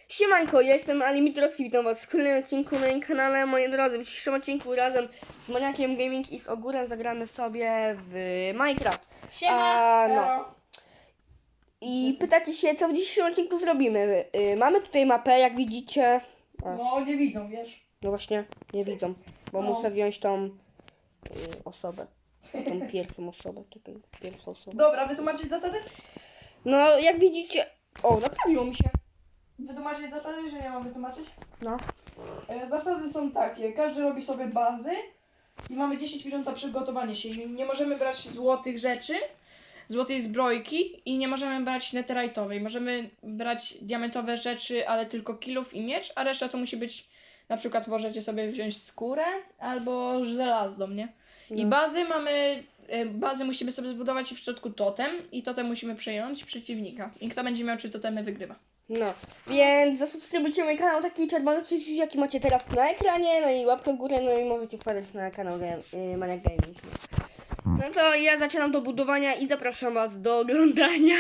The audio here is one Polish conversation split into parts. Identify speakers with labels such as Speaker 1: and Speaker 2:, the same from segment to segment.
Speaker 1: Siemanko, ja jestem Alimitrox i witam was w kolejnym odcinku na moim kanale. Moi drodzy, w dzisiejszym odcinku razem z Maniakiem Gaming i z Ogórem zagramy sobie w Minecraft. No. I pytacie się, co w dzisiejszym odcinku zrobimy. Mamy tutaj mapę, jak widzicie.
Speaker 2: No, nie widzą, wiesz.
Speaker 1: No właśnie, nie widzą, bo muszę wziąć tą osobę. Tą pierwszą osobę, czekaj, pierwszą osobę.
Speaker 2: Dobra, wytłumaczyć zasady?
Speaker 1: No, jak widzicie... O, naprawiło mi się.
Speaker 2: Wytłumaczyć zasady, że ja mam wytłumaczyć?
Speaker 1: No.
Speaker 2: Zasady są takie, każdy robi sobie bazy i mamy 10 minut na przygotowanie się. I nie możemy brać złotych rzeczy, złotej zbrojki i nie możemy brać netherite'owej. Możemy brać diamentowe rzeczy, ale tylko kilów i miecz, a reszta to musi być, na przykład możecie sobie wziąć skórę albo żelazną, nie? I bazy musimy sobie zbudować i w środku totem i totem musimy przejąć przeciwnika. I kto będzie miał 3 totemy, wygrywa.
Speaker 1: No, więc zasubskrybujcie mój kanał, taki czerwony przycisk, jaki macie teraz na ekranie, no i łapkę w górę, no i możecie wpadać na kanał Maniak Gaming. No to ja zaczynam do budowania i zapraszam was do oglądania.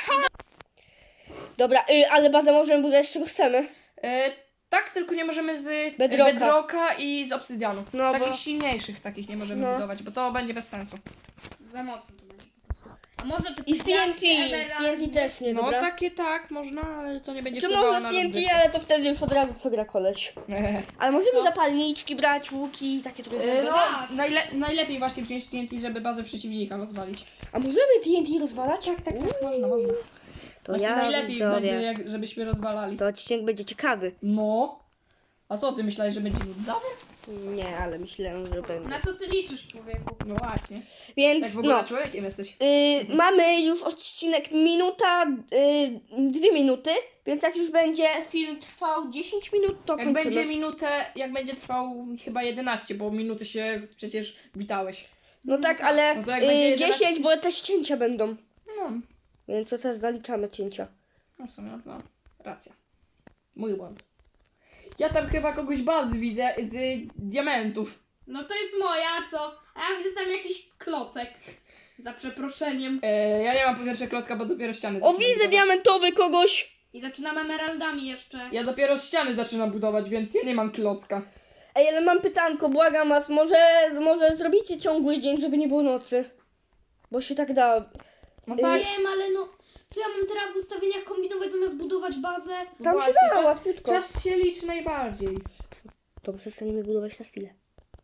Speaker 1: Dobra, ale bazę możemy budować z czego chcemy.
Speaker 2: Tak, tylko nie możemy z
Speaker 1: Bedrocka.
Speaker 2: bedrocka i z obsydianu.
Speaker 1: No,
Speaker 2: Takich
Speaker 1: bo-
Speaker 2: silniejszych takich nie możemy
Speaker 1: No.
Speaker 2: budować, bo to będzie bez sensu.
Speaker 3: Za mocno to będzie po prostu. A może to
Speaker 1: I z TNT, też nie,
Speaker 2: No
Speaker 1: dobra?
Speaker 2: takie tak, można, ale to nie będzie
Speaker 1: Czy
Speaker 2: wpływało
Speaker 1: może
Speaker 2: na
Speaker 1: z TNT,
Speaker 2: rozgrywkę.
Speaker 1: ale to wtedy już od razu przegra koleś. Ale możemy zapalniczki brać, łuki, takie trochę.
Speaker 2: No, najlepiej właśnie wziąć TNT, żeby bazę przeciwnika rozwalić.
Speaker 1: A możemy TNT rozwalać?
Speaker 2: Tak, można.
Speaker 1: To
Speaker 2: Właśnie
Speaker 1: ja
Speaker 2: najlepiej
Speaker 1: widzowie,
Speaker 2: będzie, żebyśmy rozwalali.
Speaker 1: To odcinek będzie ciekawy.
Speaker 2: No. A co, ty myślałeś, że będzie nudzawy?
Speaker 1: Nie, ale myślę, że będzie.
Speaker 3: Na co ty liczysz, człowieku?
Speaker 2: No właśnie.
Speaker 1: Więc
Speaker 2: Tak w ogóle
Speaker 1: no.
Speaker 2: człowiekiem jesteś.
Speaker 1: Mamy już odcinek minuta, 2 minuty, więc jak już będzie film trwał 10 minut, to
Speaker 2: Jak
Speaker 1: kończymy.
Speaker 2: będzie minutę, jak będzie trwał chyba 11, bo minuty się przecież witałeś.
Speaker 1: No tak, ale
Speaker 2: No to jak będzie
Speaker 1: 10, bo też cięcia będą,
Speaker 2: No,
Speaker 1: więc to też zaliczamy cięcia.
Speaker 2: no w sumie, no, racja. Mój błąd. Ja tam chyba kogoś bazy widzę z diamentów.
Speaker 3: No to jest moja, co? A ja widzę tam jakiś klocek. Za przeproszeniem.
Speaker 2: Ja nie mam po pierwsze klocka, bo dopiero ściany
Speaker 1: O,
Speaker 2: zaczynam
Speaker 1: widzę
Speaker 2: budować.
Speaker 1: diamentowy kogoś!
Speaker 3: I zaczynam emeraldami jeszcze.
Speaker 2: Ja dopiero ściany zaczynam budować, więc ja nie mam klocka.
Speaker 1: Ej, ale mam pytanko, błagam was, może zrobicie ciągły dzień, żeby nie było nocy? Bo się tak da.
Speaker 2: No
Speaker 3: Tak.
Speaker 2: tak,
Speaker 3: Wiem, ale no... Co ja mam teraz w ustawieniach kombinować zamiast budować bazę?
Speaker 1: Tam
Speaker 2: właśnie,
Speaker 1: się da, łatwiutko.
Speaker 2: czas się liczy najbardziej.
Speaker 1: To przestaniemy budować na chwilę.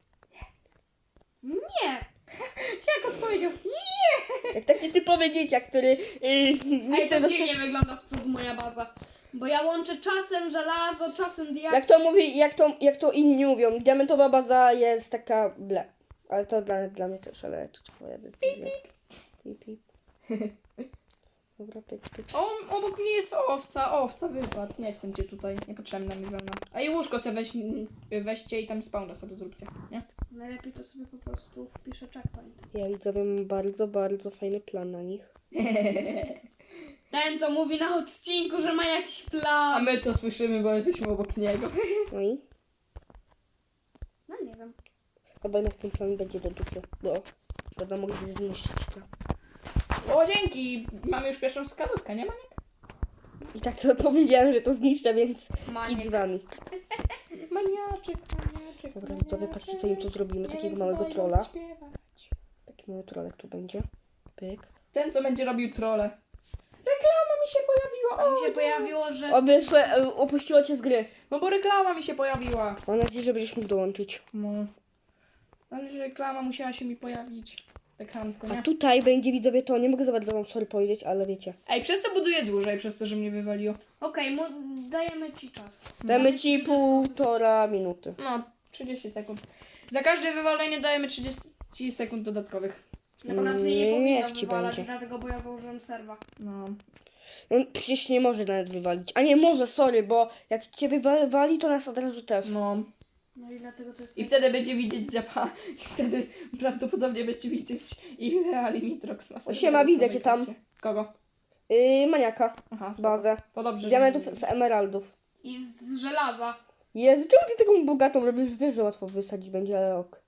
Speaker 3: Nie.
Speaker 2: Jak odpowiedział?
Speaker 1: Jak taki typowy dzieciak, który nie
Speaker 3: Ej,
Speaker 1: chce
Speaker 3: to
Speaker 1: do...
Speaker 3: dziwnie wygląda z przodu moja baza. Bo ja łączę czasem żelazo, czasem diament.
Speaker 1: Jak to mówi, jak to inni mówią, diamentowa baza jest taka ble. Ale to dla mnie też, ale to twoja decyzja. Pip, pip. Dobra, pyk, pyk.
Speaker 2: Obok mnie jest owca wypadł. Nie chcę cię tutaj, niepotrzebna mi wełna. A i łóżko sobie weźcie i tam spawna sobie zróbcie, nie?
Speaker 3: Najlepiej to sobie po prostu wpiszę checkpoint.
Speaker 1: Ja widzowie mam bardzo, bardzo fajny plan na nich.
Speaker 3: Ten, co mówi na odcinku, że ma jakiś
Speaker 2: A
Speaker 3: plan.
Speaker 2: my to słyszymy, bo jesteśmy obok niego.
Speaker 1: No i?
Speaker 3: No nie wiem.
Speaker 1: Chyba jednak ten plan będzie do dupy, bo będą mogli zniszczyć to.
Speaker 2: O, dzięki! Mamy już pierwszą wskazówkę, nie Maniek?
Speaker 1: I tak to powiedziałem, że to zniszczę, więc
Speaker 3: Maniek.
Speaker 1: kit z wami.
Speaker 2: Maniaczek.
Speaker 1: Dobra, widzowie, patrzcie co im tu zrobimy, takiego małego trolla. Taki mały trollek tu będzie. Pyk.
Speaker 2: Ten, co będzie robił trolle. Reklama mi się pojawiła!
Speaker 3: A mi się pojawiło, że...
Speaker 1: O, wyszło, opuściło cię z gry.
Speaker 2: No bo reklama mi się pojawiła.
Speaker 1: Mam nadzieję, że będziesz mógł dołączyć.
Speaker 2: No. Ale że reklama musiała się mi pojawić. Tak chamsko,
Speaker 1: A
Speaker 2: nie?
Speaker 1: tutaj będzie, widzowie, to nie mogę za bardzo wam sorry powiedzieć, ale wiecie.
Speaker 2: Ej, przez to buduję dłużej, przez to, że mnie wywaliło.
Speaker 3: Okej, dajemy ci czas.
Speaker 1: Damy ci 1,5 minuty.
Speaker 2: No, 30 sekund. Za każde wywalenie dajemy 30 sekund dodatkowych.
Speaker 3: Na nas mnie nie
Speaker 1: Niech
Speaker 3: powinno
Speaker 1: ci
Speaker 3: wywalać,
Speaker 1: będzie.
Speaker 3: dlatego bo ja założyłem serwa.
Speaker 2: No.
Speaker 1: No, przecież nie może nawet wywalić. A nie, może, sorry, bo jak cię wywali, to nas od razu też.
Speaker 2: No.
Speaker 3: No i dlatego to jest...
Speaker 2: I wtedy będzie widzieć zapa. I wtedy prawdopodobnie będzie widzieć ile Alimitrox ma.
Speaker 1: Siema, widzę cię tam.
Speaker 2: Kogo?
Speaker 1: Maniaka,
Speaker 2: Aha.
Speaker 1: bazę.
Speaker 2: To dobrze.
Speaker 1: Z
Speaker 2: że
Speaker 1: diamentów,
Speaker 2: widzę.
Speaker 1: z emeraldów.
Speaker 3: I z żelaza.
Speaker 1: Jezu, czemu ty taką bogatą robisz? Wiesz, że łatwo wysadzić będzie, ale ok.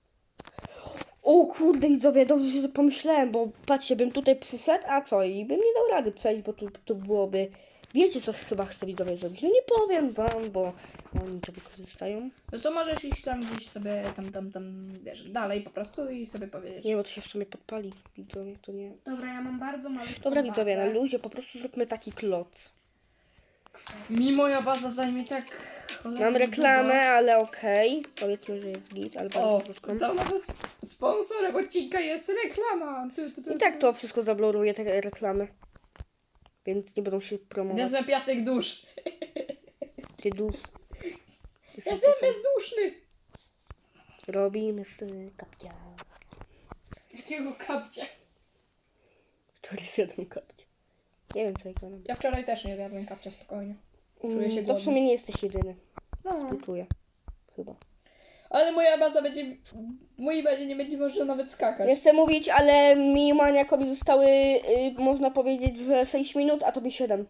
Speaker 1: O kurde, widzowie, dobrze, że to pomyślałem, bo patrzcie, bym tutaj przyszedł, a co? I bym nie dał rady przejść, bo tu byłoby Wiecie, co chyba chcę widzowie zrobić? No nie powiem wam, bo oni to wykorzystają.
Speaker 2: No to możesz iść tam gdzieś sobie tam, wiesz, dalej po prostu i sobie powiedzieć.
Speaker 1: Nie, bo to się w sumie podpali. Widzowie, to nie...
Speaker 3: Dobra, ja mam bardzo malutką
Speaker 1: Dobra, widzowie, na
Speaker 3: bazę.
Speaker 1: luzie po prostu zróbmy taki kloc.
Speaker 2: Mi moja baza zajmie tak...
Speaker 1: Mam reklamę, ale okej. Powiedzmy, że jest git, ale bardzo
Speaker 2: O,
Speaker 1: krótką.
Speaker 2: to nawet sponsorem odcinka jest reklama.
Speaker 1: I tak to wszystko zabluruje, te reklamy. Więc nie będą się promować.
Speaker 2: Wezmę piasek dusz.
Speaker 1: Ty dusz.
Speaker 2: Jestem bezduszny.
Speaker 1: Robimy z kapcia.
Speaker 3: Jakiego kapcia?
Speaker 1: Który zjadł kapcia. Nie wiem, co ja gadam.
Speaker 2: Ja wczoraj też nie zjadłem kapcia, spokojnie. Czuję się
Speaker 1: To w
Speaker 2: głodny.
Speaker 1: sumie nie jesteś jedyny.
Speaker 2: No.
Speaker 1: Czuję. Chyba.
Speaker 2: Ale moja baza będzie... Mojej bazie nie będzie można nawet skakać.
Speaker 1: Nie chcę mówić, ale mi maniakowi zostały, można powiedzieć, że 6 minut, a tobie 7.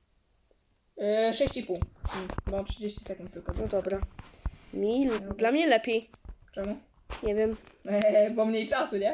Speaker 2: 6,5. Bo 30 sekund tylko.
Speaker 1: No dobra. Dla mnie lepiej.
Speaker 2: Czemu?
Speaker 1: Nie wiem.
Speaker 2: Bo mniej czasu, nie?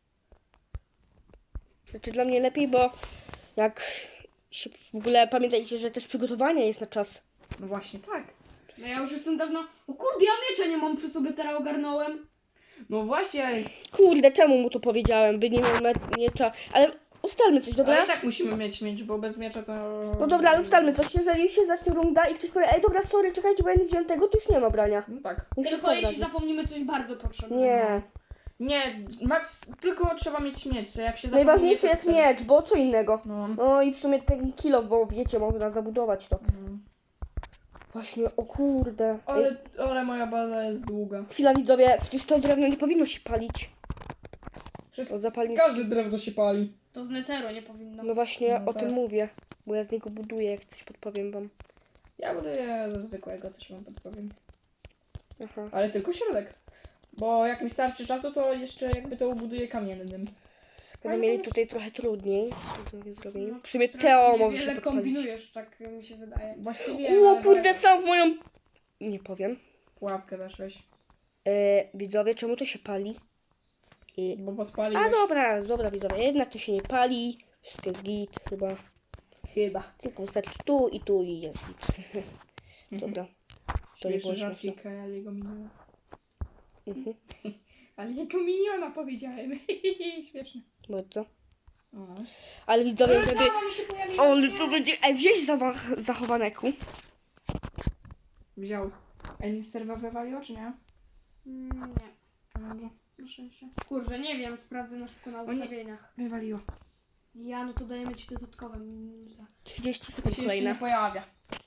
Speaker 1: Znaczy dla mnie lepiej, bo jak się w ogóle pamiętajcie, że też przygotowanie jest na czas.
Speaker 2: No właśnie tak.
Speaker 3: No ja już jestem dawno... O kurde, ja miecza nie mam przy sobie, teraz ogarnąłem.
Speaker 2: No właśnie,
Speaker 1: Kurde, czemu mu to powiedziałem? By nie miał miecza. Ale ustalmy coś,
Speaker 2: ale
Speaker 1: dobra?
Speaker 2: i tak musimy mieć miecz, bo bez miecza to...
Speaker 1: No dobra, ale ustalmy coś. Jeżeli się zacznie runda i ktoś powie, ej dobra, sorry, czekajcie, bo ja nie wziąłem tego, to już nie ma brania.
Speaker 2: No tak.
Speaker 1: Niech się
Speaker 3: Tylko jeśli
Speaker 1: wyobrazi.
Speaker 3: zapomnimy coś bardzo potrzebnego.
Speaker 1: Nie.
Speaker 2: Nie, max, tylko trzeba mieć miecz. Jak się
Speaker 1: Najważniejszy
Speaker 2: zapomni,
Speaker 1: jest
Speaker 2: to
Speaker 1: miecz, bo co innego.
Speaker 2: No.
Speaker 1: No i w sumie ten kilo, bo wiecie, można zabudować to. Właśnie, o kurde. Ej,
Speaker 2: Ale moja baza jest długa.
Speaker 1: chwila widzowie, przecież to drewno nie powinno się palić. To zapalnik.
Speaker 2: Każde drewno się pali.
Speaker 3: To z neteru nie powinno.
Speaker 1: No właśnie
Speaker 2: No
Speaker 1: o tym
Speaker 2: tak.
Speaker 1: mówię. Bo ja z niego buduję, jak coś podpowiem wam.
Speaker 2: Ja buduję ze zwykłego, też wam podpowiem.
Speaker 1: Aha.
Speaker 2: Ale tylko środek. Bo jak mi starczy czasu, to jeszcze jakby to ubuduję kamiennym.
Speaker 1: Będę mieli tutaj trochę trudniej. Widzowie zrobili.
Speaker 3: No,
Speaker 1: W sumie
Speaker 3: strasznie
Speaker 1: Teo może
Speaker 3: wiele
Speaker 1: się podpalić.
Speaker 3: kombinujesz, tak mi się wydaje.
Speaker 2: Właściwie...
Speaker 1: O
Speaker 2: ale
Speaker 1: kurde, sam w moją... Nie powiem.
Speaker 2: pułapkę weszłeś.
Speaker 1: Widzowie, czemu to się pali?
Speaker 2: Bo podpaliłeś.
Speaker 1: A dobra widzowie, jednak to się nie pali. Wszystko jest git chyba.
Speaker 2: Chyba.
Speaker 1: Tylko wystarczy tu i jest git. Dobra. To nie było
Speaker 2: Śmieszny
Speaker 1: śmieszne.
Speaker 2: żarcik, ale jego miniona.
Speaker 1: Mhm.
Speaker 2: Ale jego miniona powiedziałem. Śmieszne.
Speaker 1: Bardzo.
Speaker 2: O.
Speaker 1: Ale widzowie, żeby...
Speaker 3: Reklama mi się pojawiła.
Speaker 1: Ale to będzie... Ej, wziąć zachowaneku.
Speaker 2: Wziął. Ej, serwa wywaliło, czy nie?
Speaker 3: Nie,
Speaker 2: No dobrze.
Speaker 3: na szczęście. Kurczę, nie wiem, sprawdzę na szybko na
Speaker 2: nie.
Speaker 3: ustawieniach.
Speaker 2: Wywaliło.
Speaker 3: Ja, no to dajemy ci dodatkowe minuty.
Speaker 1: 30
Speaker 2: To
Speaker 1: sekund
Speaker 2: się jeszcze nie
Speaker 1: kolejne.
Speaker 2: pojawia.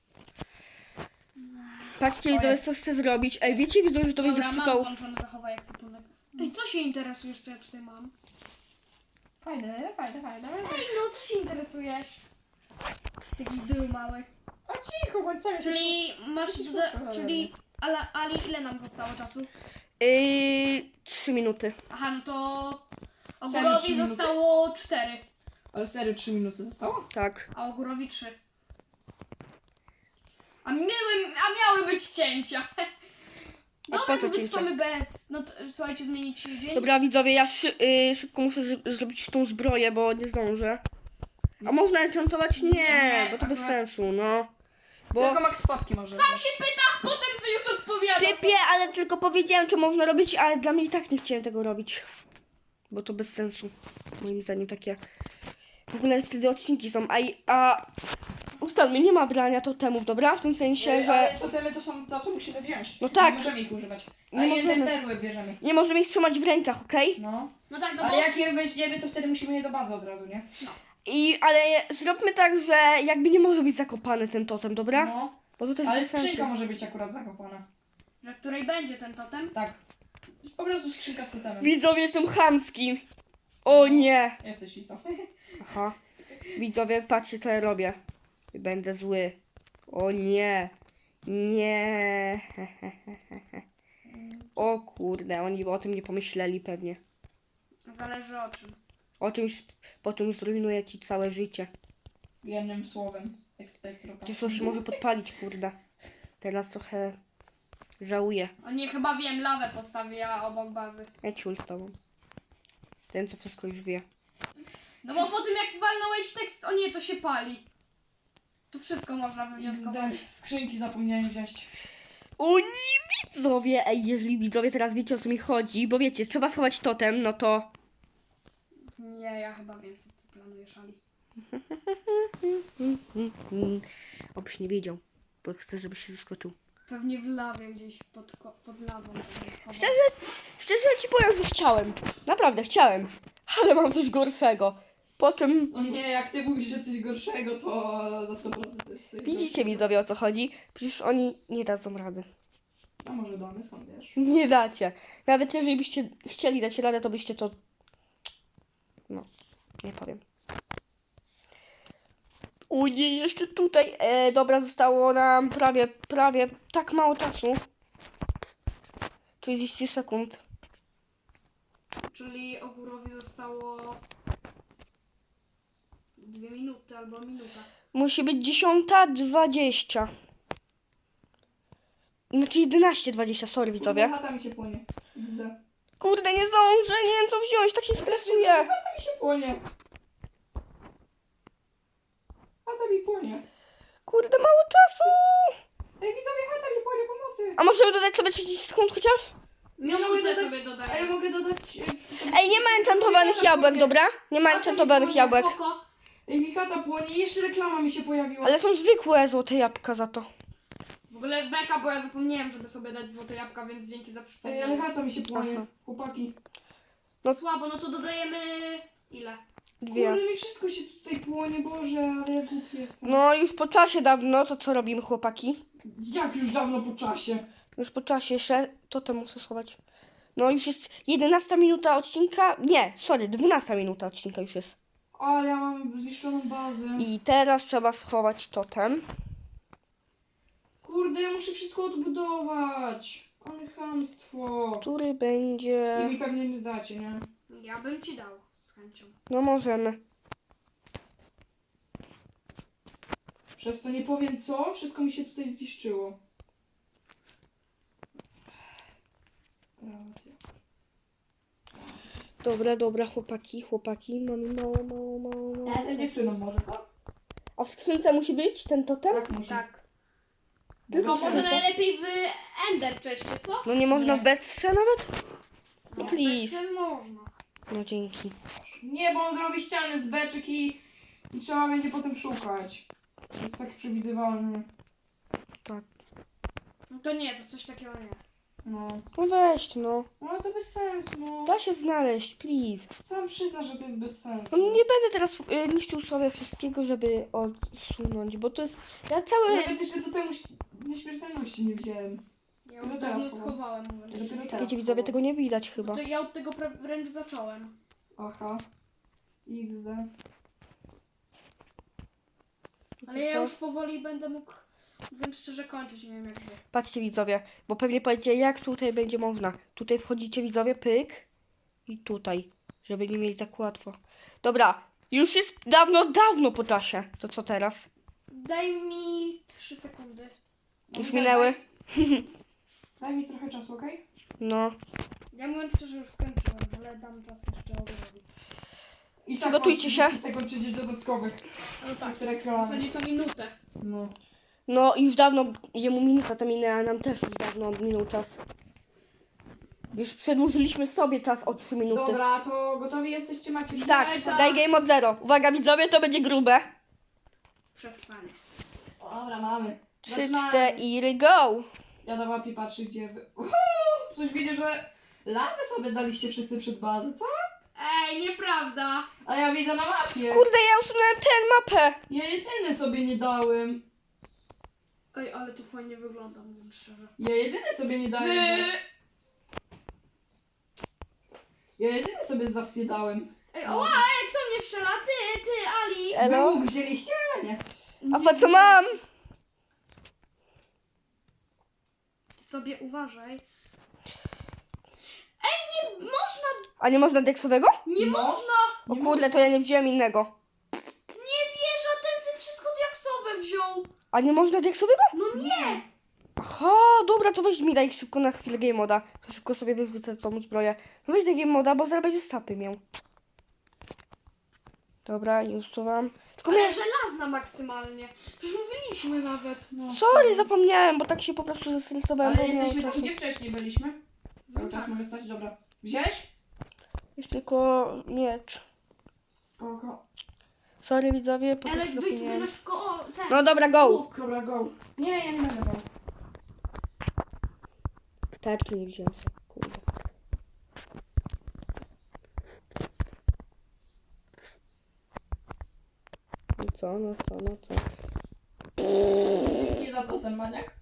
Speaker 1: Patrzcie
Speaker 2: O,
Speaker 1: widzowie,
Speaker 2: jest.
Speaker 1: co chcę zrobić. Ej, wiecie widzowie, że to będzie
Speaker 3: Dobra, mam
Speaker 1: przykał.
Speaker 3: włączony zachowaj ekwipunek. Ej, co się interesujesz, co ja tutaj mam?
Speaker 2: Fajne.
Speaker 3: Ej, no co się interesujesz? Taki dół mały.
Speaker 2: A cicho, bądź sam.
Speaker 3: Czyli masz...
Speaker 2: Jesteś
Speaker 3: Do,
Speaker 2: potrzebna,
Speaker 3: czyli... Ali, ile nam zostało czasu?
Speaker 1: 3 minuty.
Speaker 3: Aha, no to...
Speaker 2: Serio, 3
Speaker 3: Ogórowi
Speaker 2: minuty?
Speaker 3: zostało 4,
Speaker 2: Ale serio, 3 minuty zostało?
Speaker 1: Tak.
Speaker 3: a Ogórowi 3. A miały być cięcia.
Speaker 1: A po
Speaker 3: Dobra,
Speaker 1: co
Speaker 3: to
Speaker 1: cięcia?
Speaker 3: wytrwamy bez. No to, słuchajcie, zmienić dzień.
Speaker 1: Dobra widzowie, ja szybko muszę zrobić tą zbroję, bo nie zdążę. A można enchantować? Nie, bo to bez
Speaker 2: akurat-
Speaker 1: sensu, no. Bo...
Speaker 2: Tylko max spadki może.
Speaker 3: Sam się pyta, potem sobie już odpowiada.
Speaker 1: Typie, ale tylko powiedziałem, co można robić, ale dla mnie i tak nie chciałem tego robić. Bo to bez sensu. Moim zdaniem takie... W ogóle wtedy odcinki są, a ustalmy, nie ma brania totemów, dobra? W tym sensie, że
Speaker 2: Ale totemy to są to, co musimy wziąć.
Speaker 1: No tak.
Speaker 2: Nie możemy ich używać.
Speaker 1: Nie
Speaker 2: A jedne
Speaker 1: możemy.
Speaker 2: perły bierzemy.
Speaker 1: nie możemy ich trzymać w rękach, okej?
Speaker 2: No.
Speaker 3: No tak, no
Speaker 2: Ale
Speaker 3: bo...
Speaker 2: jak je weźmiemy, to wtedy musimy je do bazy od razu, nie?
Speaker 1: Ale zróbmy tak, że jakby nie może być zakopany ten totem, dobra?
Speaker 2: No.
Speaker 1: Bo to też
Speaker 2: Ale
Speaker 1: bez sensu.
Speaker 2: skrzynka może być akurat zakopana.
Speaker 3: Na której będzie ten totem?
Speaker 2: Tak. Po prostu skrzynka z totemem.
Speaker 1: Widzowie, jestem chamski. O nie.
Speaker 2: Jesteś i co?
Speaker 1: Aha. Widzowie, patrzcie co ja robię. Będę zły. O nie. Nie. O kurde, oni o tym nie pomyśleli pewnie.
Speaker 3: Zależy o czym.
Speaker 1: O czymś, po czym zrujnuje ci całe życie.
Speaker 2: Jednym słowem. Ekspektro.
Speaker 1: Przecież to się może podpalić, kurde. Teraz trochę żałuję.
Speaker 3: O nie, chyba wiem, lawę postawiła obok bazy.
Speaker 1: Ja ciul z tobą. Ten, co wszystko już wie.
Speaker 3: No bo po tym jak walnąłeś tekst, o nie, to się pali. To wszystko można wywnioskować.
Speaker 2: Skrzynki zapomniałem wziąć.
Speaker 1: O nie, widzowie! Ej, jeżeli widzowie teraz wiecie, o co mi chodzi, bo wiecie, trzeba schować totem, no to...
Speaker 3: Nie, ja chyba wiem, co ty planujesz, Ali.
Speaker 1: Obyś nie wiedział, bo chcę, żebyś się zaskoczył.
Speaker 3: Pewnie w lawie gdzieś pod lawą. będzie schował.
Speaker 1: Szczerze ci powiem, że chciałem. Naprawdę chciałem. Ale mam coś gorszego. Po czym...
Speaker 2: O nie, jak ty mówisz, że coś gorszego, to na 100% to jest...
Speaker 1: Widzicie, widzowie, o co chodzi? Przecież oni nie dadzą rady.
Speaker 2: A może damy, skąd wiesz?
Speaker 1: Nie dacie. Nawet jeżeli byście chcieli dać radę, to byście to... No, nie powiem. O nie, jeszcze tutaj. Dobra, zostało nam prawie tak mało czasu. 30 sekund.
Speaker 3: Czyli Ogórowi zostało 2 minuty albo minuta.
Speaker 1: Musi być 10:20. Znaczy 11:20, sorry widzowie.
Speaker 2: Chata mi się płonie. XD.
Speaker 1: Kurde, nie zdążę, nie wiem co wziąć, tak się stresuję.
Speaker 2: Chata mi się płonie. Chata mi płonie.
Speaker 1: Kurde, mało czasu.
Speaker 2: Ej, widzowie, chata mi płonie, pomocy.
Speaker 1: A możemy dodać sobie 30 sekund chociaż?
Speaker 3: Minutę sobie
Speaker 2: A ja
Speaker 3: dodaję.
Speaker 2: mogę dodać...
Speaker 1: Ej, nie ma enchantowanych jabłek, dobra? Nie ma enchantowanych jabłek.
Speaker 3: Spoko.
Speaker 2: Ej, mi chata płonie i jeszcze reklama mi się pojawiła.
Speaker 1: Ale są zwykłe złote jabłka za to.
Speaker 3: W ogóle beka, bo ja zapomniałem, żeby sobie dać złote jabłka, więc dzięki za
Speaker 2: Ej, ale
Speaker 3: przypomnienie.
Speaker 2: chata mi się płonie.
Speaker 1: Aha.
Speaker 2: Chłopaki.
Speaker 1: no-
Speaker 3: Słabo, no to dodajemy... Ile?
Speaker 1: 2.
Speaker 2: Kurde, mi wszystko się tutaj płonie, Boże, ale ja głupi jestem.
Speaker 1: No już po czasie dawno, to co robimy chłopaki?
Speaker 2: Jak już dawno po czasie?
Speaker 1: Już po czasie jeszcze, to te muszę schować. No już jest 11 minuta odcinka, nie, sorry, 12 minuta odcinka już jest.
Speaker 2: Ale ja mam zniszczoną bazę.
Speaker 1: I teraz trzeba schować totem.
Speaker 2: Kurde, ja muszę wszystko odbudować. Ale chamstwo.
Speaker 1: Który
Speaker 2: I
Speaker 1: będzie...
Speaker 2: mi pewnie nie dacie, nie?
Speaker 3: Ja bym ci dał z chęcią.
Speaker 1: No możemy.
Speaker 2: Przez to nie powiem co, wszystko mi się tutaj zniszczyło. Racja.
Speaker 1: Dobra, chłopaki, mamy mało.
Speaker 2: Ja jestem dziewczyną może, co?
Speaker 1: A w skrzynce musi być ten totem?
Speaker 2: Tak musi.
Speaker 3: Tak.
Speaker 1: Tylko
Speaker 3: To
Speaker 1: w
Speaker 3: może
Speaker 1: skrzynce?
Speaker 3: najlepiej w Ender cześć, co?
Speaker 1: No nie można
Speaker 2: Nie.
Speaker 1: w beczce nawet?
Speaker 3: No,
Speaker 1: please.
Speaker 3: bez można.
Speaker 1: No dzięki.
Speaker 2: Nie, bo on zrobi ściany z beczek i trzeba będzie potem szukać. To jest tak przewidywalne.
Speaker 3: No to nie, to coś takiego nie.
Speaker 2: No.
Speaker 1: No weź no.
Speaker 2: No ale to bez sensu, no.
Speaker 1: Da się znaleźć, please.
Speaker 2: Sam przyzna, że to jest bez sensu.
Speaker 1: No nie będę teraz niszczył sobie wszystkiego, żeby odsunąć, bo to jest... Ja cały...
Speaker 2: Nawet jeszcze do temu nieśmiertelności nie wziąłem.
Speaker 3: Ja
Speaker 2: Dopiero
Speaker 3: już
Speaker 2: teraz
Speaker 3: dawno
Speaker 2: chowam.
Speaker 3: schowałem, mówiąc
Speaker 2: Dopiero
Speaker 3: szczerze.
Speaker 2: teraz.
Speaker 1: Wiecie widzowie, tego nie widać chyba.
Speaker 3: To ja od tego wręcz zacząłem.
Speaker 2: Aha. XD.
Speaker 3: Ale ja już powoli będę mógł, mówiąc szczerze, kończyć, nie wiem jak wy.
Speaker 1: Patrzcie widzowie, bo pewnie powiecie, jak tutaj będzie można. Tutaj wchodzicie widzowie, pyk i tutaj, żeby nie mieli tak łatwo. Dobra, już jest dawno po czasie. To co teraz?
Speaker 3: Daj mi 3 sekundy.
Speaker 1: Już minęły.
Speaker 2: Daj mi trochę czasu, okej?
Speaker 1: No.
Speaker 3: Ja mówiąc szczerze już skończyłem, ale dam czas jeszcze Ogórowi.
Speaker 2: I
Speaker 1: Przygotujcie
Speaker 2: tak
Speaker 1: się.
Speaker 2: mam 30 sekund przecież dodatkowych.
Speaker 3: No tak,
Speaker 2: Przez
Speaker 3: w
Speaker 2: reklamę.
Speaker 3: zasadzie to minutę.
Speaker 2: No.
Speaker 1: No już dawno, jemu minuta to minęła, nam też już dawno minął czas. Już przedłużyliśmy sobie czas o 3 minuty.
Speaker 2: Dobra, to gotowi jesteście? Macie
Speaker 1: Tak,
Speaker 3: Tak.
Speaker 1: daj game od 0. Uwaga widzowie, to będzie grube.
Speaker 3: Przetrwanie.
Speaker 2: Dobra, mamy.
Speaker 1: 3,
Speaker 2: Zaczynamy.
Speaker 1: 4, go!
Speaker 2: Ja na mapie patrzę, gdzie wy... Coś widzę, że lawę sobie daliście wszyscy przed bazę, co?
Speaker 3: Ej, nieprawda.
Speaker 2: A ja widzę na mapie.
Speaker 1: Kurde, ja usunąłem tę mapę.
Speaker 2: Ja jedyny sobie nie dałem.
Speaker 3: Ej, ale to fajnie wygląda, mówiąc szczerze.
Speaker 2: Ja jedyny sobie nie dałem.
Speaker 3: Wy...
Speaker 2: wiesz. Ja jedyny sobie zas nie dałem.
Speaker 3: Ej, oła, ej, kto mnie strzela? Ty, Ali.
Speaker 1: Elo?
Speaker 2: Wy łuk wzięliście, a nie.
Speaker 1: A po co mam?
Speaker 3: Ty sobie uważaj. Ej, nie można,
Speaker 1: A nie można deksowego?
Speaker 3: nie
Speaker 2: No.
Speaker 3: można.
Speaker 1: O kurde, to ja nie wziąłem innego.
Speaker 3: Nie wierzę, ten sobie wszystko diaksowe wziął.
Speaker 1: A nie można deksowego?
Speaker 3: No nie.
Speaker 1: Aha, dobra, to weź mi daj szybko na chwilę game moda. To szybko sobie wyrzucę tą zbroję. No weź daj game moda, bo zaraz będzie stapy miał. Dobra, nie usuwam. Tylko
Speaker 3: Ale
Speaker 1: miałem...
Speaker 3: żelazna maksymalnie. Przecież mówiliśmy nawet. No.
Speaker 1: Sorry, zapomniałem, bo tak się po prostu zestresowałem.
Speaker 2: Ale
Speaker 1: bo miałem
Speaker 2: jesteśmy tam,
Speaker 1: czasu.
Speaker 2: gdzie wcześniej byliśmy. Cały czas
Speaker 3: tak.
Speaker 2: mogę stać, dobra. Wziąłeś?
Speaker 1: Jest tylko miecz.
Speaker 2: Kogo?
Speaker 1: Sorry widzowie, po
Speaker 3: Ale
Speaker 1: prostu
Speaker 3: weź sobie
Speaker 1: zapomniałem.
Speaker 3: masz ten.
Speaker 1: No dobra, go!
Speaker 3: łuk.
Speaker 2: Dobra, go. Nie, ja nie będę go.
Speaker 1: Tarczy nie wziąłem sobie, kurde. No co, no co, no co?
Speaker 2: Nie za to ten maniak.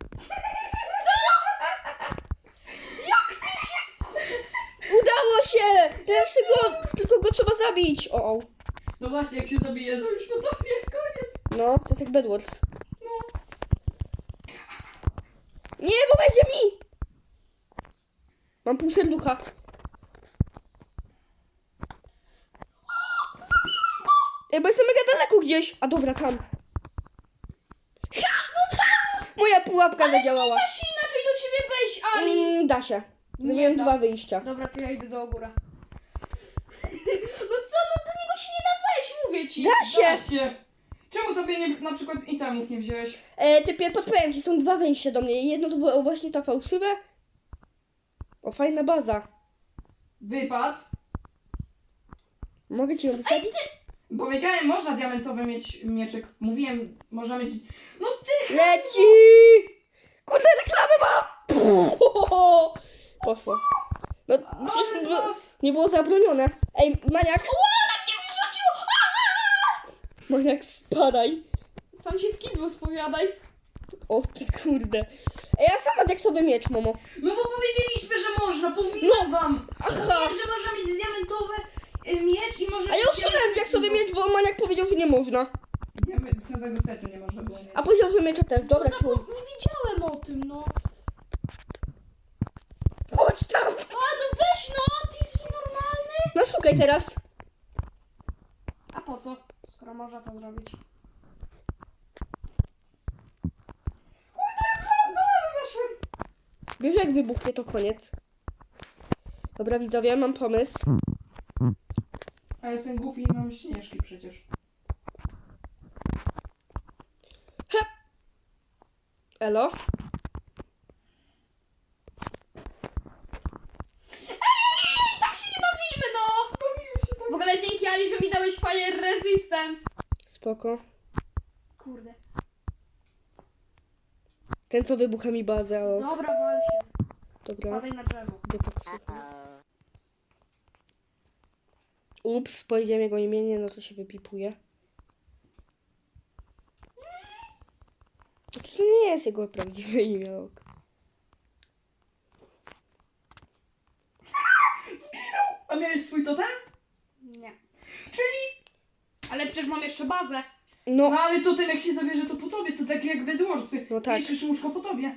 Speaker 1: Udało się! Teraz tylko go trzeba zabić! O.
Speaker 2: No właśnie, jak się zabije, to już po tobie, koniec.
Speaker 1: No, to jest jak Bedwars. Nie, bo będzie mi! Mam pół serducha. Ej, bo jestem mega daleko gdzieś. A dobra, tam. Moja pułapka zadziałała.
Speaker 3: Da się inaczej do ciebie wejść, Ali.
Speaker 1: Da się. Zrobiłem
Speaker 3: da.
Speaker 1: 2 wyjścia.
Speaker 3: Dobra, to ja idę do góra. No co, no do niego się nie da wejść, mówię ci.
Speaker 1: Da
Speaker 2: Da
Speaker 1: się!
Speaker 2: się. Czemu sobie nie, na przykład itemów nie wziąłeś?
Speaker 1: Typie, podpowiem ci, są 2 wejścia do mnie. Jedno to było właśnie ta fałszywe. O, fajna baza.
Speaker 2: Wypad.
Speaker 1: Mogę ci ją wysadzić?
Speaker 2: Powiedziałem, można diamentowy mieć mieczyk. Mówiłem, można mieć... No ty!
Speaker 1: Leci! Kurde, reklamę mam! Poszło. No, przecież nie było zabronione. Ej, maniak!
Speaker 3: Nie wyrzuciło!
Speaker 1: Maniak, spadaj.
Speaker 3: Sam się w kidło spowiadaj.
Speaker 1: O ty kurde. Ej, ja sama diaksowy miecz, momo.
Speaker 2: No bo powiedzieliśmy, że można, mówiłem wam!
Speaker 1: Aha.
Speaker 2: Mówiłem, że można mieć diamentowy miecz i może...
Speaker 1: A ja usunąłem diaksowy miecz, bo maniak powiedział, że nie można.
Speaker 2: Diamentowego setu nie można było mieć.
Speaker 1: A powiedział, że miecza też. Dobra, czuł.
Speaker 3: Nie wiedziałem o tym, no.
Speaker 1: Chodź tam!
Speaker 3: A no weź no, ty jesteś normalny.
Speaker 1: No szukaj teraz.
Speaker 3: A po co? Skoro można to zrobić.
Speaker 1: Wiesz, jak wybuchnie, to koniec. Dobra, widzowie, mam pomysł.
Speaker 2: A ja jestem głupi i mam śnieżki przecież.
Speaker 1: Elo?
Speaker 3: Tak się nie bawimy, no.
Speaker 2: Bawimy się tak.
Speaker 3: W ogóle dzięki Ali, że mi dałeś Fire Resistance.
Speaker 1: Spoko.
Speaker 3: Kurde.
Speaker 1: Ten, co wybucha mi bazę, o.
Speaker 3: Dobra, wal się.
Speaker 1: Dobra,
Speaker 3: Spadaj na drzewo.
Speaker 1: idę pokusać. Ups, powiedziałem jego imienie, no to się wypipuje. To nie jest jego prawdziwe imię, ok.
Speaker 2: A miałeś swój totem?
Speaker 3: Nie.
Speaker 2: Czyli...
Speaker 3: Ale przecież mam jeszcze bazę.
Speaker 1: No,
Speaker 2: No ale totem jak się zabierze, to po tobie, to tak jak Bedwarsy.
Speaker 1: No tak.
Speaker 2: Niszczysz łóżko po tobie.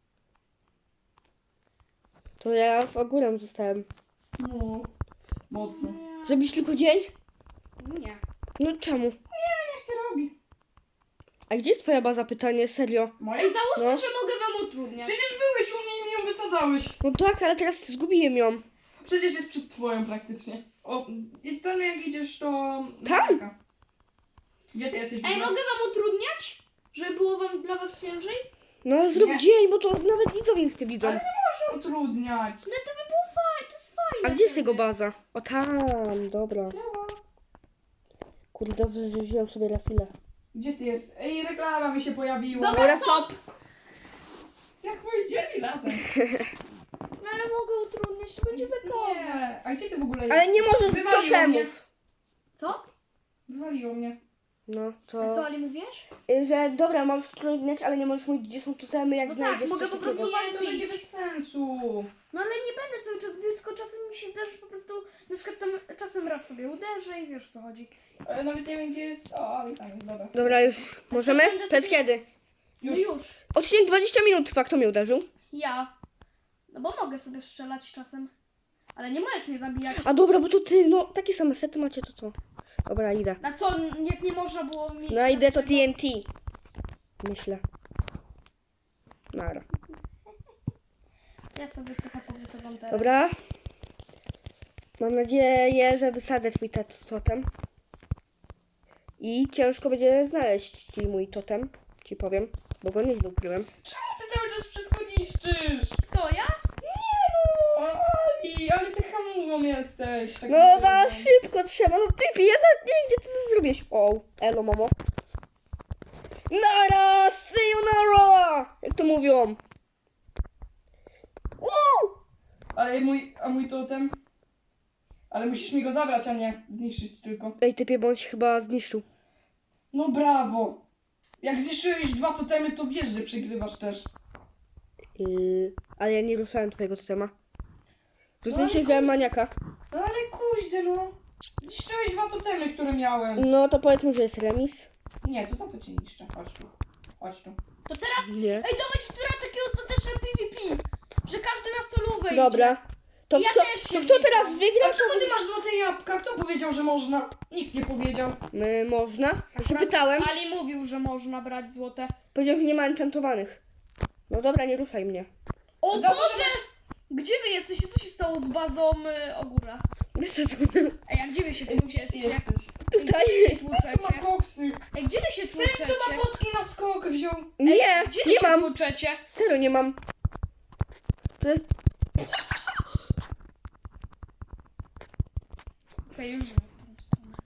Speaker 1: to ja z ogórem zostałem.
Speaker 2: No. Mocno.
Speaker 1: Zrobisz tylko dzień?
Speaker 3: Nie.
Speaker 1: No czemu?
Speaker 2: Jak się robi?
Speaker 1: A gdzie jest twoja baza? Pytanie, serio?
Speaker 2: Moja?
Speaker 3: Ej, załóżmy,
Speaker 1: No.
Speaker 3: że mogę wam utrudniać.
Speaker 2: Przecież byłeś u mnie i mi ją wysadzałeś.
Speaker 1: No tak, ale teraz zgubiłem ją.
Speaker 2: Przecież jest przed twoją praktycznie. O, i tam jak idziesz, to...
Speaker 1: Tam?
Speaker 2: Gdzie ty jesteś? w
Speaker 3: Ej,
Speaker 2: ogóle?
Speaker 3: mogę wam utrudniać? Żeby było wam dla was ciężej?
Speaker 1: No ale zrób
Speaker 2: Nie.
Speaker 1: dzień, bo to nawet widzowie nic nie widzą.
Speaker 2: Ale Proszę utrudniać.
Speaker 3: Ale to by było fajne, to jest fajne.
Speaker 1: A gdzie jest
Speaker 3: wtedy.
Speaker 1: jego baza? O tam, dobra.
Speaker 2: Działa.
Speaker 1: Kurde, dobrze, że wziąłem sobie na chwilę.
Speaker 2: Gdzie ty jest? Ej, reklama mi się pojawiła.
Speaker 3: Dobra,
Speaker 1: Dobra,
Speaker 3: stop!
Speaker 2: Jak powiedzieli razem.
Speaker 3: No ale mogę utrudniać, to będzie bekowe.
Speaker 2: Nie. A gdzie ty w ogóle
Speaker 1: Ale
Speaker 2: jest?
Speaker 1: nie możesz z
Speaker 2: Wywaliło
Speaker 1: totemów.
Speaker 3: Co?
Speaker 2: Wywaliło mnie.
Speaker 1: No,
Speaker 3: A
Speaker 1: to...
Speaker 3: co Ali mówisz?
Speaker 1: Że dobra, mam utrudniać, ale nie możesz mówić, gdzie są totemy, jak
Speaker 3: No tak,
Speaker 1: znajdziesz
Speaker 3: mogę
Speaker 1: coś
Speaker 3: po
Speaker 1: takiego.
Speaker 3: prostu-
Speaker 2: Nie, to będzie bez sensu.
Speaker 3: No ale nie będę cały czas bił, tylko czasem mi się zdarzy po prostu, na przykład tam czasem raz sobie uderzę i wiesz o co chodzi.
Speaker 2: Ale nawet nie wiem gdzie jest. O, i tam jest, dobra.
Speaker 1: Dobra, już możemy?
Speaker 3: będę
Speaker 1: Przez
Speaker 3: sobie-
Speaker 1: kiedy?
Speaker 3: No
Speaker 2: Już.
Speaker 3: już.
Speaker 1: Odcinek 20 minut trwa, kto mnie uderzył?
Speaker 3: Ja. No bo mogę sobie strzelać czasem. Ale nie możesz mnie zabijać.
Speaker 1: A dobra, bo to ty, no, takie same sety macie, to co? Dobra, idę.
Speaker 3: Na co, jak nie można było mieć...
Speaker 1: No idę to
Speaker 3: takiego-
Speaker 1: TNT. Myślę. Nara.
Speaker 3: Ja sobie trochę powysadzam teraz.
Speaker 1: Dobra. Mam nadzieję, że wysadzę twój totem. I ciężko będzie znaleźć ci mój totem, ci powiem, bo go nieźle ukryłem.
Speaker 2: Czemu ty cały czas wszystko niszczysz?
Speaker 3: Kto, ja?
Speaker 2: O, ale ty hamową jesteś. Tak
Speaker 1: No
Speaker 2: naprawdę.
Speaker 1: da, szybko trzeba, no typie, ja nawet nie wiem, gdzie ty to zrobiłeś. O, elo mamo. Nara, see you nara! Jak to mówią? Wow!
Speaker 2: A mój totem? Ale musisz mi go zabrać, a nie zniszczyć tylko.
Speaker 1: Ej, typie, bo on się chyba zniszczył.
Speaker 2: No brawo! Jak zniszczyłeś 2 totemy, to wiesz, że przegrywasz też.
Speaker 1: Ale ja nie ruszałem twojego totema. To
Speaker 2: No
Speaker 1: ty
Speaker 2: ale
Speaker 1: się wziąłem maniaka.
Speaker 2: No ale kuździe, no. Zniszczyłeś 2 totemy, które miałem.
Speaker 1: No to powiedzmy, że jest remis.
Speaker 2: Nie, to za to cię niszczę. Chodź tu. Chodź tu.
Speaker 3: To teraz...
Speaker 1: Nie.
Speaker 3: Ej, dawać która takie ostateczne PvP. Że każdy na solówę
Speaker 1: Dobra.
Speaker 3: idzie.
Speaker 1: To
Speaker 3: Ja
Speaker 1: kto,
Speaker 3: też się
Speaker 1: to kto
Speaker 3: wliczam.
Speaker 1: teraz wygra?
Speaker 2: A czemu ty masz złote jabłka? Kto powiedział, że można? Nikt nie powiedział.
Speaker 1: Można? Ja się pytałem.
Speaker 3: Ali mówił, że można brać złote.
Speaker 1: Powiedział, że nie ma enchantowanych. No dobra, nie ruszaj mnie.
Speaker 3: O
Speaker 2: Za to,
Speaker 3: Boże! Gdzie wy jesteście? Co się stało z bazą Ogóra?
Speaker 1: Wiesz co?
Speaker 3: Ej, a gdzie wy się tłuczecie?
Speaker 2: Jesteś.
Speaker 1: Tutaj.
Speaker 3: Ej, gdzie wy się
Speaker 2: Co ma
Speaker 3: tłuczecie?
Speaker 2: koksy?
Speaker 3: Ej, gdzie wy się
Speaker 2: Ten, co
Speaker 3: tłuczecie?
Speaker 2: ma potki na skok wziął.
Speaker 1: Nie,
Speaker 3: Gdzie wy
Speaker 1: nie
Speaker 3: się
Speaker 1: mam.
Speaker 3: tłuczecie?
Speaker 1: Serio nie mam. To jest...
Speaker 3: Okej, już wiem, w którą stronę.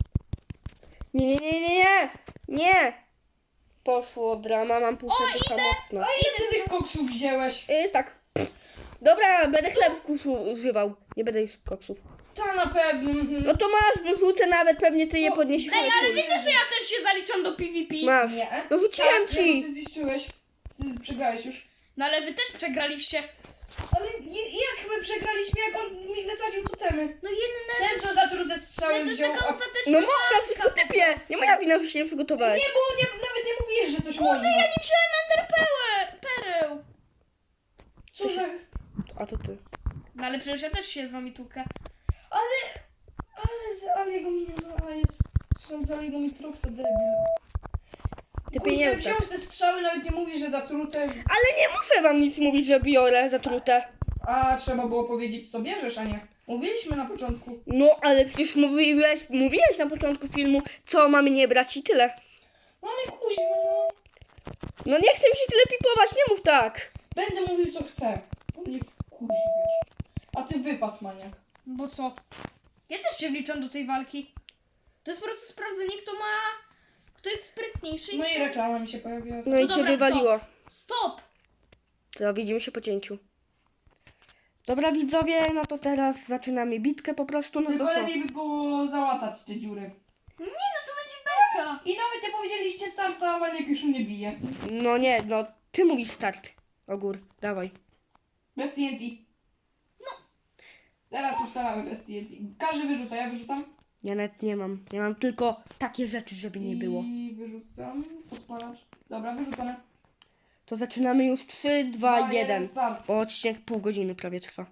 Speaker 1: Nie. Poszło drama, mam pół serducha mocno.
Speaker 2: A ile ty tych koksów wziąłeś?
Speaker 1: Jest tak. Dobra, będę chlebków używał. Nie będę już koksów.
Speaker 2: Ta na pewno.
Speaker 1: No to masz, wyrzucę nawet, pewnie ty je podniesiesz.
Speaker 3: Ej, ale wiecie, że ja też się zaliczam do PvP?
Speaker 1: Masz.
Speaker 2: Nie.
Speaker 1: No rzuciłem
Speaker 2: Tak,
Speaker 1: ci.
Speaker 2: Ty zniszczyłeś. Ty przegrałeś już.
Speaker 3: No ale wy też przegraliście.
Speaker 2: Ale jak my przegraliśmy, jak on mi wysadził totemy?
Speaker 3: No jedne...
Speaker 2: Ten, co za trudne strzały
Speaker 3: To jest
Speaker 2: wziął.
Speaker 3: taka
Speaker 2: A...
Speaker 3: ostateczna
Speaker 1: No można,
Speaker 3: walka
Speaker 1: wszystko
Speaker 3: po
Speaker 1: typie.
Speaker 3: prostu.
Speaker 1: Nie moja wina, że się nie przygotowałeś.
Speaker 2: Nie, bo nawet nie mówiłeś, że coś można.
Speaker 3: Ja nie wziąłem pereł.
Speaker 2: Co za...
Speaker 1: A to ty.
Speaker 3: No ale przecież ja też się z wami tłukę.
Speaker 2: Ale z Aliego miniona jest... Tam z Aliego mi Troxa debil.
Speaker 1: Ty
Speaker 2: Kurde,
Speaker 1: pieniądze.
Speaker 2: wziął te strzały, nawet nie mówi, że zatrute.
Speaker 1: Ale nie muszę wam nic mówić, że biorę zatrute.
Speaker 2: A trzeba było powiedzieć, co bierzesz, a nie. Mówiliśmy na początku.
Speaker 1: No, ale przecież mówiłeś na początku filmu, co mamy nie brać i tyle.
Speaker 2: No ale kuźwa, no.
Speaker 1: No nie chcę mi się tyle pipować, nie mów tak.
Speaker 2: Będę mówił, co chcę. Bo mnie wkurwiesz. A ty wypad, maniak.
Speaker 3: Bo co? Ja też się wliczam do tej walki. To jest po prostu sprawdzenie, kto jest sprytniejszy.
Speaker 2: No i reklama mi się pojawiła.
Speaker 1: No i cię
Speaker 3: dobra,
Speaker 1: wywaliło.
Speaker 3: Stop!
Speaker 1: To widzimy się po cięciu. Dobra widzowie, no to teraz zaczynamy bitkę po prostu, no to
Speaker 2: Tylko
Speaker 1: co?
Speaker 2: lepiej by było załatać te dziury.
Speaker 3: Nie, no to będzie belka.
Speaker 2: I nawet nie powiedzieliście start, a maniak już mnie bije.
Speaker 1: No nie, no ty mówisz start. Ogór, dawaj.
Speaker 2: Bez TNT. No. Teraz ustalamy bez TNT. Każdy wyrzuca, ja wyrzucam.
Speaker 1: Ja nawet nie mam. Ja mam tylko takie rzeczy, żeby nie było.
Speaker 2: I wyrzucam. Podpalacz. Dobra, wyrzucone.
Speaker 1: To zaczynamy już 3, 2, 1.
Speaker 2: Start.
Speaker 1: Bo odcinek pół godziny prawie trwa.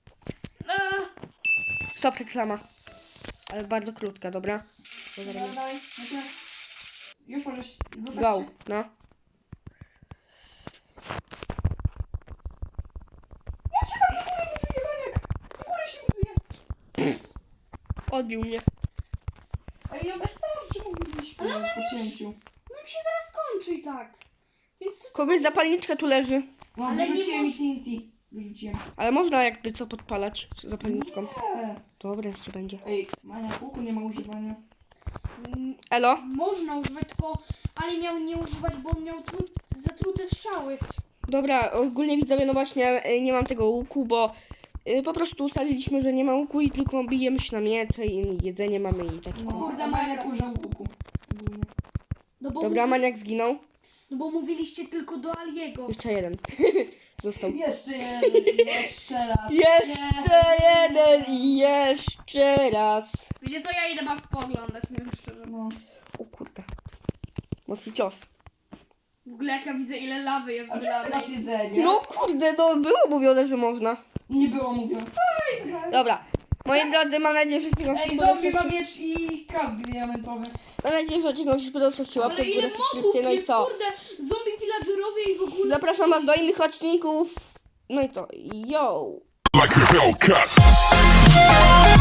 Speaker 3: Eee,
Speaker 1: Stop reklama. Ale bardzo krótka, dobra? To
Speaker 2: Dawaj,
Speaker 1: zaraz-
Speaker 2: dawaj. Już możesz ruszać
Speaker 1: Go,
Speaker 2: się.
Speaker 1: no.
Speaker 2: Ja się tam do góry buduję, maniak. Do góry się buduje.
Speaker 1: Odbił mnie.
Speaker 2: Ej, no bez starczy mówiliśmy. Po cięciu.
Speaker 3: nam się zaraz skończy i tak. Więc
Speaker 1: Kogoś zapalniczka tu leży.
Speaker 2: No,
Speaker 3: Ale nie
Speaker 2: wyrzuciłem
Speaker 3: moż-
Speaker 2: mi TNT. Wyrzuciłem.
Speaker 1: Ale można jakby co podpalać z zapalniczką.
Speaker 2: Nie.
Speaker 1: Dobra, jeszcze będzie.
Speaker 2: Ej, maniak, łuku nie ma używania.
Speaker 1: Elo?
Speaker 3: można używać, tylko Ali miał nie używać, bo on miał zatrute strzały.
Speaker 1: Dobra, ogólnie widzowie, no właśnie nie mam tego łuku, bo po prostu ustaliliśmy, że nie ma łuku i tylko bijemy się na miecze i jedzenie mamy i takie.
Speaker 2: No,
Speaker 3: Kurde,
Speaker 2: a maniak
Speaker 3: maniak.
Speaker 2: użył łuku. Ogólnie.
Speaker 3: No bo,
Speaker 1: Dobra, maniak zginął.
Speaker 3: no bo mówiliście tylko do Aliego.
Speaker 1: Jeszcze jeden. Został.
Speaker 2: Jeszcze jeden, jeszcze raz.
Speaker 1: Jeszcze jeden i jeszcze raz.
Speaker 3: Wiecie co, ja idę was pooglądać, nie szczerze.
Speaker 2: No.
Speaker 1: O kurde. Mocny cios.
Speaker 3: W ogóle jak ja widzę ile lawy jest
Speaker 2: A
Speaker 3: w
Speaker 2: czemu ty
Speaker 3: lawie.
Speaker 2: masz jedzenie?
Speaker 1: No kurde, no było mówione, że można.
Speaker 2: Nie było mówione.
Speaker 1: Dobra. Moi drodzy, mam nadzieję, że odcinek się
Speaker 2: Ej,
Speaker 1: spodobał.
Speaker 2: zombie ma miecz i kask diamentowy.
Speaker 1: Mam nadzieję, że odcinek się spodobał. Zostawcie łapkę
Speaker 3: Ale
Speaker 1: w górę,
Speaker 3: ile mobów
Speaker 1: subskrypcję, no i
Speaker 3: jest,
Speaker 1: co?
Speaker 3: kurde, zombie villagerowie i w ogóle...
Speaker 1: Zapraszam was do innych odcinków. No i co? Yo!
Speaker 4: like a Hellcat.